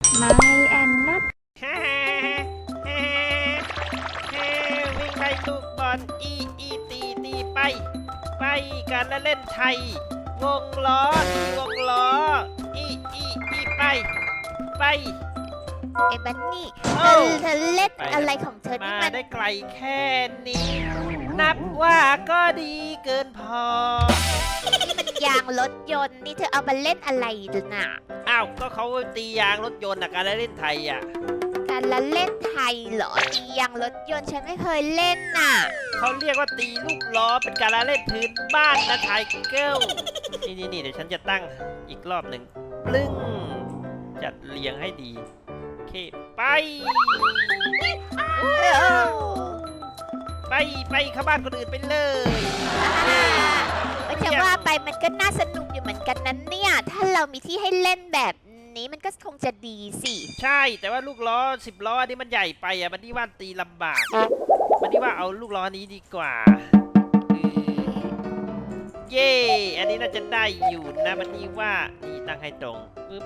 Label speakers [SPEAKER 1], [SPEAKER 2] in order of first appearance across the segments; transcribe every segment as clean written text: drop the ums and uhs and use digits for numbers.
[SPEAKER 1] ไม่แอนนัท
[SPEAKER 2] แฮ่แฮ่แฮ่วิ่งไล่ลูกบอลอีตีไปไปกันละเล่นไทยวงล้อตีวงล้ออีไป
[SPEAKER 3] ไอ้บันนี่เธ
[SPEAKER 2] เอ้า
[SPEAKER 3] อเล่น
[SPEAKER 2] ไป
[SPEAKER 3] อะไรของเธอนี่
[SPEAKER 2] มา
[SPEAKER 3] มัน
[SPEAKER 2] ได้ไกลแค่นี้ นับว่าก็ดีเกินพอ
[SPEAKER 3] นี่มันยางรถยนต์นี่เธอเอามาเล่นอะไรน่ะ
[SPEAKER 2] อ้าวก็เขาตียางรถยนต์นะการละเล่นไทยอ่ะ
[SPEAKER 3] การละเล่นไทยเหรอตียางรถยนต์ฉันไม่เคยเล่นน่ะ
[SPEAKER 2] เขาเรียกว่าตีลูกล้อเป็นการละเล่นพื้นบ้านนะไทยเกิลนี่เดี๋ยวฉันจะตั้งอีกรอบหนึ่งปลึ้งจัดเรียงให้ดีโอเคไปไปเข้าบ้านคนอื่นไปเลย
[SPEAKER 3] จะว่าไปมันก็น่าสนุกอยู่เหมือนกันนั้นเนี่ย ถ้าเรามีที่ให้เล่นแบบนี้มันก็คงจะดีสิ
[SPEAKER 2] ใช่แต่ว่าลูกล้อ10 ล้ออันนี้มันใหญ่ไปอ่ะมันนี่ว่าตีลำบากมันนี่ว่าเอาลูกล้อนี้ดีกว่าเย่อันนี้น่าจะได้อยู่นะมันนี่ว่านี่ตั้งให้ตรงปึ๊บ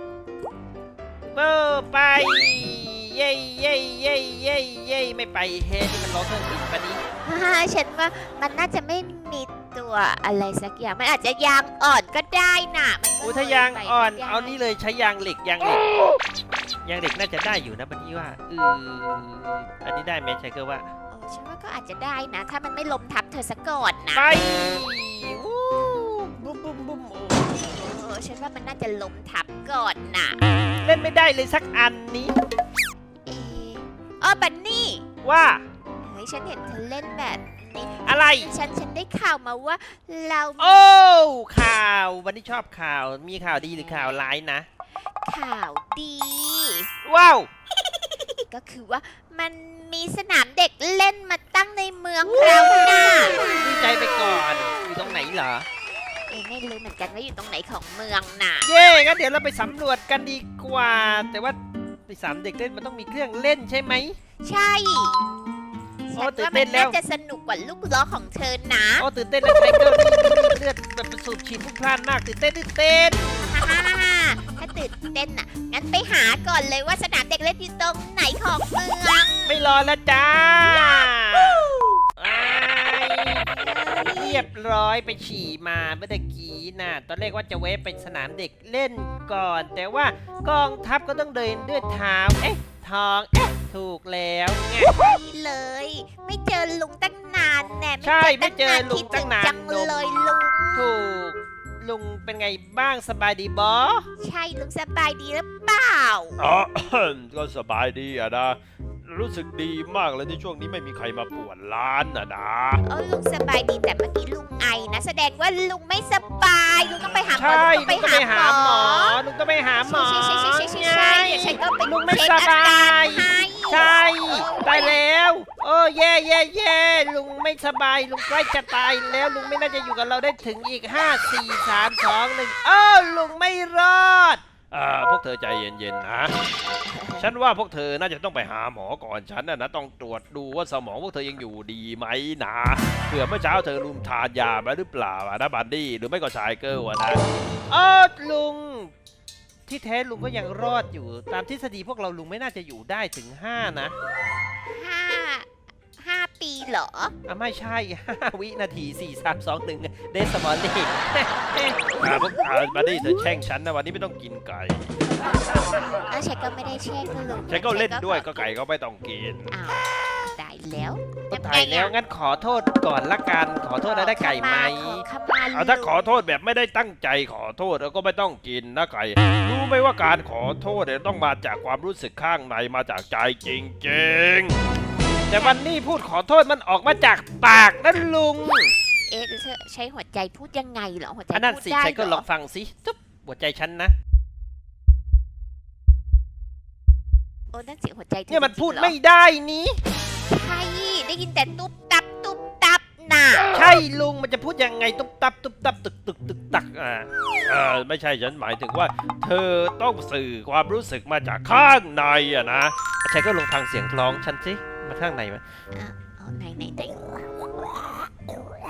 [SPEAKER 2] ไปเย่ไม่ไปเฮ้นี่มันล้อเครื่องบินปะนี้
[SPEAKER 3] ฉันว่ามันน่าจะไม่มีตัวอะไรสักอย่างมันอาจจะยางอ่อนก็ได้น่ะมันก็
[SPEAKER 2] โอ้ถ้ายางอ่อน
[SPEAKER 3] ไปได้
[SPEAKER 2] เอานี่เลยใช้ยางเหล็กน่าจะได้อยู่นะมันนี่ว่าอันนี้ได้ไหมใช่ก็ว่า
[SPEAKER 3] โอ้ฉันว่าก็อาจจะได้นะ ถ้ามันไม่ล้มทับเธอซะก่อนนะ
[SPEAKER 2] ไปวู้บุ้ม
[SPEAKER 3] โอ้ฉันว่ามันน่าจะล้มทับก่อนน่ะ
[SPEAKER 2] เล่นไม่ได้เลยสักอันนี้
[SPEAKER 3] เอ๊ะอ๋อบันนี่
[SPEAKER 2] ว่า
[SPEAKER 3] เฮ้ยฉันเห็นเธอเล่นแบบนี้
[SPEAKER 2] อะไร
[SPEAKER 3] ฉันได้ข่าวมาว่าเรา
[SPEAKER 2] โอ้ข่าววันนี้ชอบข่าวมีข่าวดีหรือข่าวร้ายนะ
[SPEAKER 3] ข่าวดี
[SPEAKER 2] ว้าว
[SPEAKER 3] ก็คือว่ามันมีสนามเด็กเล่นมาตั้งในเมืองเราน่ะ
[SPEAKER 2] ดีใจไปก่อนอยู่ตรงไหนเหรอ
[SPEAKER 3] ไม่รู้เหมือนกันว่าอยู่ตรงไหนของเมืองน่ะ
[SPEAKER 2] เย่งั้นเดี๋ยวเราไปสำรวจกันดีกว่า แต่ว่าไปสามเด็กเล่นมันต้องมีเครื่องเล่นใช่ไหม
[SPEAKER 3] ใช่
[SPEAKER 2] โอ้
[SPEAKER 3] ฉัน
[SPEAKER 2] ตื่น
[SPEAKER 3] ว่า
[SPEAKER 2] เต้
[SPEAKER 3] มัน
[SPEAKER 2] นแล้ว
[SPEAKER 3] น่าจะสนุกกว่าลูกล้อของเธอนะ
[SPEAKER 2] โอ้ตื่นเต้นแล้วไทเกอร์นี่เลือดแบบสูบฉีดพลุกพล่านมากตื่นเต้น
[SPEAKER 3] ฮ่าถ้าตื่นเต้นน่ะงั้นไปหาก่อนเลยว่าสนามเด็กเล่นอยู่ตรงไหนของเมือง
[SPEAKER 2] ไม่รอแล้วจ้าเรียบร้อยไปฉี่มาเมื่อตะกี้น่ะตอนแรกว่าจะแวะไปสนามเด็กเล่นก่อน แต่ว่ากองทัพก็ต้องเดินด้วยเท้าทองถูกแล้วไง
[SPEAKER 3] เลย ไม่เจอลุงตั้งนานแน่
[SPEAKER 2] ใช่ไม่เจอลุงตั้งนาน
[SPEAKER 3] คิดถึจังเลยลุง
[SPEAKER 2] ถูกลุงเป็นไงบ้างสบายดีบอ
[SPEAKER 3] ใช่ลุงสบายดีหรือเปล่า
[SPEAKER 4] อ๋อ ก็สบายดีอะนะ รู้สึกดีมากเลยที่ช่วงนี้ไม่มีใครมาป่วนร้านอะนะ
[SPEAKER 3] ลุงสบายดีแต่เมื่อกี้ลุงไอนะแสดงว่าลุงไม่สบายลุงต้องไปหาหมอ
[SPEAKER 2] ใช่
[SPEAKER 3] ลุงต้อง
[SPEAKER 2] ลุง
[SPEAKER 3] ไป
[SPEAKER 2] ต้องไป
[SPEAKER 3] หา
[SPEAKER 2] หา
[SPEAKER 3] ห
[SPEAKER 2] ห
[SPEAKER 3] ม
[SPEAKER 2] ม
[SPEAKER 3] อ
[SPEAKER 2] อลุงต้องไปหาหมอ
[SPEAKER 3] ใช่เดี๋ยวฉันก็ไป
[SPEAKER 2] ลุงไม่
[SPEAKER 3] เช็ค
[SPEAKER 2] ส
[SPEAKER 3] อา
[SPEAKER 2] บาก
[SPEAKER 3] า
[SPEAKER 2] ย
[SPEAKER 3] รให้
[SPEAKER 2] ใช่ตายแล้วโอ้แย่ลุงไม่สบายลุงใกล้จะตายแล้วลุงไม่น่าจะอยู่กับเราได้ถึงอีก5 4 3 2 1ลุงไม่รอด
[SPEAKER 4] พวกเธอใจเย็นๆนะ ฉันว่าพวกเธอน่าจะต้องไปหาหมอก่อนฉันนะต้องตรวจดูว่าสมองพวกเธอยังอยู่ดีไหมนะเผื่อเมื่อเช้าเธอลืมทานยาไปหรือเปล่าอะนะบันดี้หรือไม่ก็ชายเกิลอะนะ
[SPEAKER 2] ลุงที่แท้ลุงก็ยังรอดอยู่ตามทฤษฎีพวกเราลุงไม่น่าจะอยู่ได้ถึง5นะ
[SPEAKER 3] 5 ปีเหรอ
[SPEAKER 2] ไม่ใช่ 5 วินาที 4 3 2 1เดสมอลลี่
[SPEAKER 4] พวกบันดี้เธอแช่งฉันนะวันนี้ไม่ต้องกินไก่
[SPEAKER 3] แล้วฉันก็ไม่ได้เช็คลุง
[SPEAKER 4] ฉันก็เล่นด้วยก็ไก่ก็ไม่ต้องกิน
[SPEAKER 3] อ้าวได้แล้ว
[SPEAKER 2] ก็ตายแล้วงั้นขอโทษก่อนละกันขอโทษแล้วได้ไก่ไหม
[SPEAKER 3] ขมา
[SPEAKER 4] ถ้าขอโทษแบบไม่ได้ตั้งใจขอโทษแล้วก็ไม่ต้องกินนะไก่รู้ไหมว่าการขอโทษเนี่ยต้องมาจากความรู้สึกข้างในมาจากใจจริงๆ
[SPEAKER 2] แต่วันนี้พูดขอโทษมันออกมาจากปากนั่นลุง
[SPEAKER 3] เธอใช้หัวใจพูดยังไงเหรอหัวใจ
[SPEAKER 2] อันนั้น
[SPEAKER 3] พูด
[SPEAKER 2] สิ
[SPEAKER 3] ได้
[SPEAKER 2] ใครก็
[SPEAKER 3] เห
[SPEAKER 2] ล
[SPEAKER 3] ร
[SPEAKER 2] อ
[SPEAKER 3] อง
[SPEAKER 2] ฟังสิจุ๊บหัวใจฉันนะ
[SPEAKER 3] นั่นเสียงหัวใจเธอ
[SPEAKER 2] เนี่ยมันพูด
[SPEAKER 3] จริงๆเหรอ
[SPEAKER 2] ไม่ได้นี้
[SPEAKER 3] ใช่ได้ยินแต่ตุ๊บตับน่ะ
[SPEAKER 2] ใช่ลุงมันจะพูดยังไงตุ๊บตับตึกตัก
[SPEAKER 4] ไม่ใช่ฉันหมายถึงว่า เธอต้องสื่อความรู้สึกมาจากข้างในอะนะ
[SPEAKER 2] ใครก็ลองฟังเสียงร้องฉันสิมาข้างในไหม
[SPEAKER 3] ไหน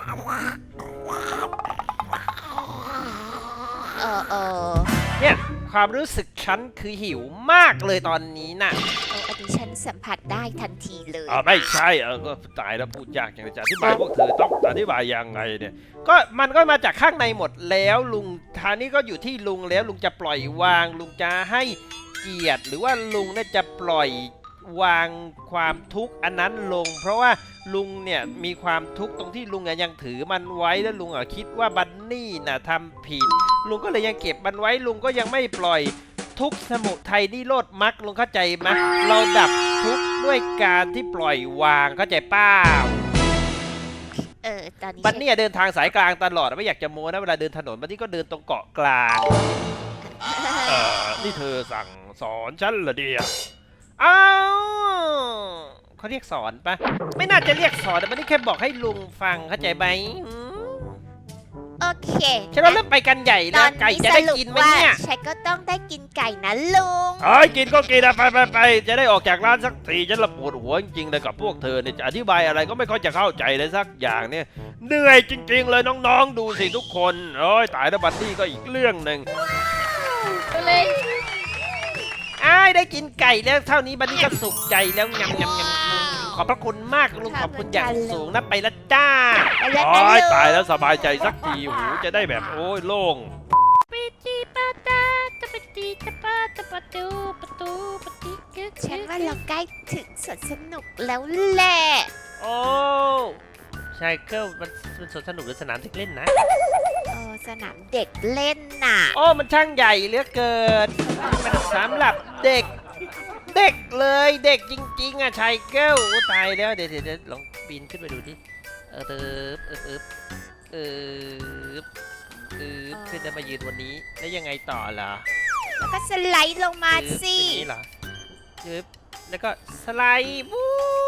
[SPEAKER 2] เนี่ยความรู้สึกฉันคือหิวมากเลยตอนนี้น่ะ
[SPEAKER 3] โอ้อันนี้ฉันสัมผัสได้ทันทีเลย
[SPEAKER 4] ไม่ใช่ก็ตายแล้วพูดยากอย่างจะอธิบายพวกเธอต้องอธิบายยังไงเนี่ย
[SPEAKER 2] ก็มันก็มาจากข้างในหมดแล้วลุงทางนี้ก็อยู่ที่ลุงแล้วลุงจะปล่อยวาง ลุงจะให้เกียรติหรือว่าลุงเนี่ยจะปล่อยวางความทุกข์อันนั้นลง เพราะว่าลุงเนี่ยมีความทุกข์ตรงที่ลุงยังถือมันไว้แล้วลุงคิดว่าบันนี่น่ะทำผิด ลุงก็เลยยังเก็บมันไว้ลุงก็ยังไม่ปล่อยทุกข์สมุทัยนิโรธมรรคลุงเข้าใจไหมเราดับทุกข์ด้วยการที่ปล่อยวางเข้าใจเป้า
[SPEAKER 3] ตอนนี้
[SPEAKER 2] บันนี่เดินทางสายกลางตลอดไม่อยากจะโม้นะเวลาเดินถนนบันนี่ก็เดินตรงเกาะกลาง
[SPEAKER 4] นี่เธอสั่งสอนฉันเหรอเดีย
[SPEAKER 2] อ้าวเขาเรียกสอนปะไม่น่าจะเรียกสอนแต่บันนี่แค่บอกให้ลุงฟังเข้าใจไหมอืม
[SPEAKER 3] โอเค
[SPEAKER 2] ฉันว่าเริ่มไปกันใหญ่
[SPEAKER 3] ต
[SPEAKER 2] แล้
[SPEAKER 3] อ
[SPEAKER 2] วน ไก่
[SPEAKER 3] นี้
[SPEAKER 2] จะ
[SPEAKER 3] ส
[SPEAKER 2] ได้
[SPEAKER 3] รุป
[SPEAKER 2] กินไหม
[SPEAKER 3] ว่า
[SPEAKER 2] เนี่ย
[SPEAKER 3] ฉันก็ต้องได้กินไก่นะลุง
[SPEAKER 4] กินก็กินนะไปจะได้ออกจากร้านสักทีฉันละปวดหัวจริงๆเลยกับพวกเธอเนี่ยจะอธิบายอะไรก็ไม่ค่อยจะเข้าใจเลยสักอย่างเนี่ยเหนื่อยจริงๆเลยน้องๆดูสิทุกคนโอ้ยตายแล้วบันนี่ก็อีกเรื่องหนึ่ง
[SPEAKER 2] อ้ายได้กินไก่แล้วเท่านี้บันนี่ก็สุขใจแล้วงำขอบพระคุณมากลุงขอบคุณอย่างสูงนะไปละจ้า
[SPEAKER 3] ไปแล้ว
[SPEAKER 4] โอ้
[SPEAKER 3] นะ
[SPEAKER 4] ย
[SPEAKER 3] ลุง
[SPEAKER 4] ตายแล้วสบายใจสักทีหูจะได้แบบโอ้ยโล่ง
[SPEAKER 1] ปิจิปาตาตะปะติตะปาตะปะตูปะตูปะติกึก
[SPEAKER 3] ฉันว่าเราใกล้ถึงสวนสนุกแล้วแหละ
[SPEAKER 2] โอ้ใช่ก็มันสวนสนุกหรือสนามเด็กเล่นนะ
[SPEAKER 3] สนามเด็กเล่นน่ะ
[SPEAKER 2] โอ้มันช่างใหญ่เหลือเกินมันสำหรับเด็ก เด็กเลยเด็กจริงๆอ่ะชายเก้าตายแล้วเดี๋ยวลองปีนขึ้นไปดูดิขึ้นแล้วมายืนวันนี้แล้วยังไงต่อล่ะ
[SPEAKER 3] แล้วก็สไลด์ลงมาสิ
[SPEAKER 2] อย่างนี้เหรอแล้วก็สไลด์วู้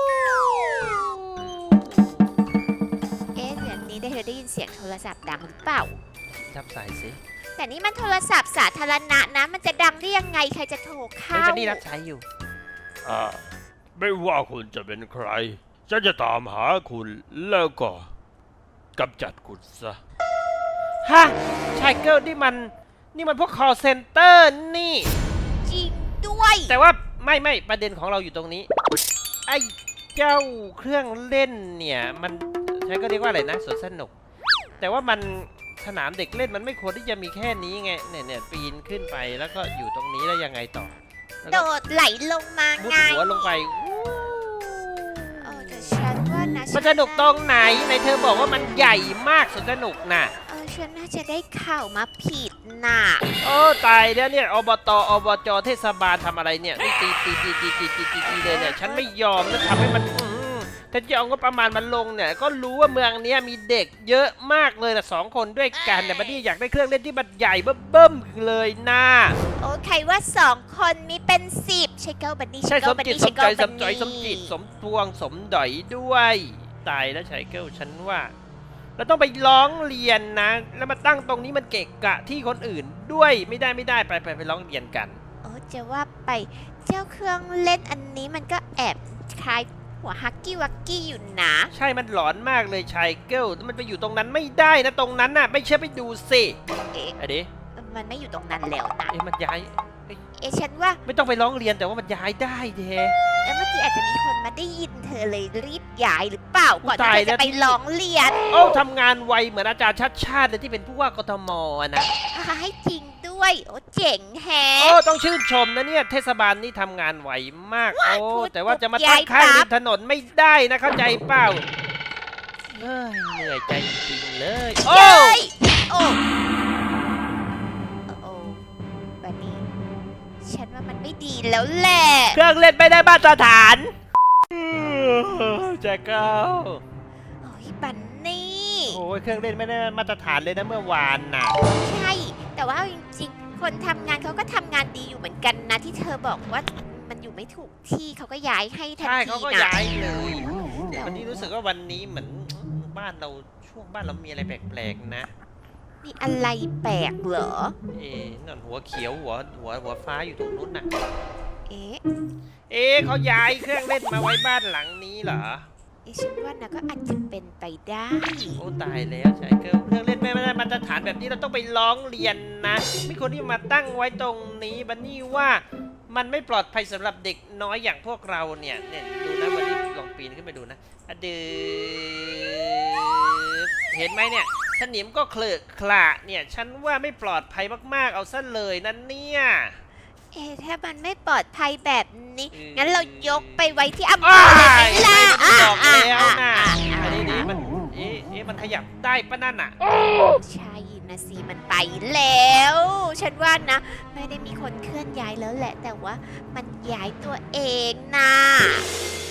[SPEAKER 3] เดี๋ยวนี้เธอได้ยินเสียงโทรศัพท์ดังหรือเปล่า
[SPEAKER 2] ทับสายสิ
[SPEAKER 3] แต่นี่มันโทรศัพท์สาธารณะนะ มันจะดังได้ยังไงใครจะโทร
[SPEAKER 2] เฮ้ย
[SPEAKER 3] เข้า
[SPEAKER 2] วันนี้รับใช้อยู่
[SPEAKER 4] ไม่ว่าคุณจะเป็นใครฉันจะตามหาคุณแล้วก็กำจัดคุณซะ
[SPEAKER 2] ฮะชายเกิลนี่มันพวก call center นี่
[SPEAKER 3] จริงด้วย
[SPEAKER 2] แต่ว่าไม่ประเด็นของเราอยู่ตรงนี้ ไอ้เจ้าเครื่องเล่นเนี่ยมันใช้ก็เรียกว่าอะไรนะสวนสนุก แต่ว่ามันสนามเด็กเล่นมันไม่ควรที่จะมีแค่นี้ไงเนี่ยปีนขึ้นไปแล้วก็อยู่ตรงนี้แล้วยังไงต่อแล้ว
[SPEAKER 3] โด
[SPEAKER 2] ก็
[SPEAKER 3] ดไหลลงมา
[SPEAKER 2] มุด
[SPEAKER 3] ไง
[SPEAKER 2] หัวลงไป
[SPEAKER 3] แต่ฉันว่านะ
[SPEAKER 2] มันสนุกตรงไหนในเธอบอกว่ามันใหญ่มากสวนสนุกน่ะ
[SPEAKER 3] ฉันน่าจะได้ข่าวมาผิดน่ะ
[SPEAKER 2] โอ้ตายแล้วเนี่ยอบจเทศบาลทำอะไรเนี่ยนี่ตีเลยเนี่ยฉันไม่ยอมนะทำให้มันถ้าจะเอางบประมาณมันลงเนี่ยก็รู้ว่าเมืองนี้มีเด็กเยอะมากเลยนะ2 คนด้วยกันแต่บัดนี้อยากได้เครื่องเล่นที่มันใหญ่เบิ่มๆเลยนะ
[SPEAKER 3] โอ้ใครว่า2 คนมีเป็น10ใช่เก้าบันนี่
[SPEAKER 2] ใช่สมจิตสมใจสมใจ
[SPEAKER 3] บันนี่
[SPEAKER 2] สมจิตสมพวงสมดอยด้วยตายแล้วชายเกิลฉันว่าเราต้องไปร้องเรียนนะแล้วมาตั้งตรงนี้มันเกะกะที่คนอื่นด้วยไม่ได้ไปร้องเรียนกัน
[SPEAKER 3] จะว่าไปเจ้าเครื่องเล่นอันนี้มันก็แอบคล้ายหัวฮักกี้วักกี้อยู่นะ
[SPEAKER 2] ใช่มันหลอนมากเลยชายเกิลมันไปอยู่ตรงนั้นไม่ได้นะตรงนั้นน่ะไม่เชื่อไปดูสิ
[SPEAKER 3] เอ๊ะ
[SPEAKER 2] ไอ้ดิ
[SPEAKER 3] มันไม่อยู่ตรงนั้นแล้วนะ
[SPEAKER 2] มันย้าย
[SPEAKER 3] ฉันว่า
[SPEAKER 2] ไม่ต้องไปร้องเรียนแต่ว่ามันย้ายได้เด้
[SPEAKER 3] เมื่อกี้อาจจะมีคนมาได้ยินเธอเลยรีบย้ายหรือเปล่าก่อน
[SPEAKER 2] ตาย
[SPEAKER 3] ที่เธอ
[SPEAKER 2] แล้
[SPEAKER 3] จะ
[SPEAKER 2] ว
[SPEAKER 3] ไปร้องเรียน
[SPEAKER 2] โอ้ทำงานไวเหมือนอาจารย์ชัดชาติเลยที่เป็นผู้ว่ากทมอะนะ
[SPEAKER 3] ให้จริงด้วยโอ้เจ๋งแฮะ
[SPEAKER 2] โอ้ต้องชื่นชมนะเนี่ยเทศบาลนี่ทำงานไวมากโอ้
[SPEAKER 3] พูด
[SPEAKER 2] แต่ว่าจะมา
[SPEAKER 3] ย้า
[SPEAKER 2] ตั้
[SPEAKER 3] ย
[SPEAKER 2] งค่าย
[SPEAKER 3] ปั๊
[SPEAKER 2] ริ
[SPEAKER 3] บ
[SPEAKER 2] มถนนไม่ได้นะเข้าใจเปล่าเฮ้ยเหนื่อยใจจริงๆเลยโอ้
[SPEAKER 3] เย้ยโอ้บันนี่ฉันว่ามันไม่ดีแล้วแหละ
[SPEAKER 2] เครื่องเล่นไม่ได้มาตรฐานแจ็คเกิล
[SPEAKER 3] โอ้ยบันนี่
[SPEAKER 2] โอ้ยเครื่องเล่นไม่ได้มาตรฐานเลยนะเมื่อวานน่ะ
[SPEAKER 3] ใช่ แต่ว่าจริงๆ คนทำงานเขาก็ทำงานดีอยู่เหมือนกันนะที่เธอบอกว่ามันอยู่ไม่ถูกที่เขาก็ย้ายให้ทัน
[SPEAKER 2] ใช่
[SPEAKER 3] ที
[SPEAKER 2] เขาก็
[SPEAKER 3] นะ
[SPEAKER 2] ย้ายเลยวันนี้รู้สึกว่าวันนี้เหมือนบ้านเราช่วงบ้านเรามีอะไรแปลกๆนะ
[SPEAKER 3] มีอะไรแปลกเหรอ
[SPEAKER 2] นั่นหัวเขียวหัวฟ้าอยู่ตรงนู้นน่ะ
[SPEAKER 3] เอ๊ะ
[SPEAKER 2] เขาย้ายเครื่องเล่นมาไว้บ้านหลังนี้เหรอ
[SPEAKER 3] ฉันว่านะก็อาจจะเป็นไปได้
[SPEAKER 2] โอ้ตายแล้วชายเกิลเครื่องเล่นแม่ไม่ได้มาตรฐานแบบนี้เราต้องไปร้องเรียนนะไม่ควรที่มาตั้งไว้ตรงนี้บันนี่ว่ามันไม่ปลอดภัยสำหรับเด็กน้อยอย่างพวกเราเนี่ยดูนะบันนี่ลองปีนขึ้นไปดูนะอะดืเห็นไหมเนี่ยสนิมก็เคลอะคละเนี่ยฉันว่าไม่ปลอดภัยมากๆเอาซะเลยนั่นเนี่ย
[SPEAKER 3] ถ้ามันไม่ปลอดภัยแบบนี้
[SPEAKER 2] อืม
[SPEAKER 3] งั้นเรายกไปไว้ที่อำเภอเลยไหมล่ะ
[SPEAKER 2] ไม่ได้บอกแล้วนะ
[SPEAKER 3] อ่า
[SPEAKER 2] อันนี้มันมันขยับได้ปะนั่นอ่ะ
[SPEAKER 3] ใช่นะสิมันไปแล้ว ฉันว่านะ ไม่ได้มีคนเคลื่อนย้ายแล้วแหละ แต่ว่ามันย้ายตัวเองนะ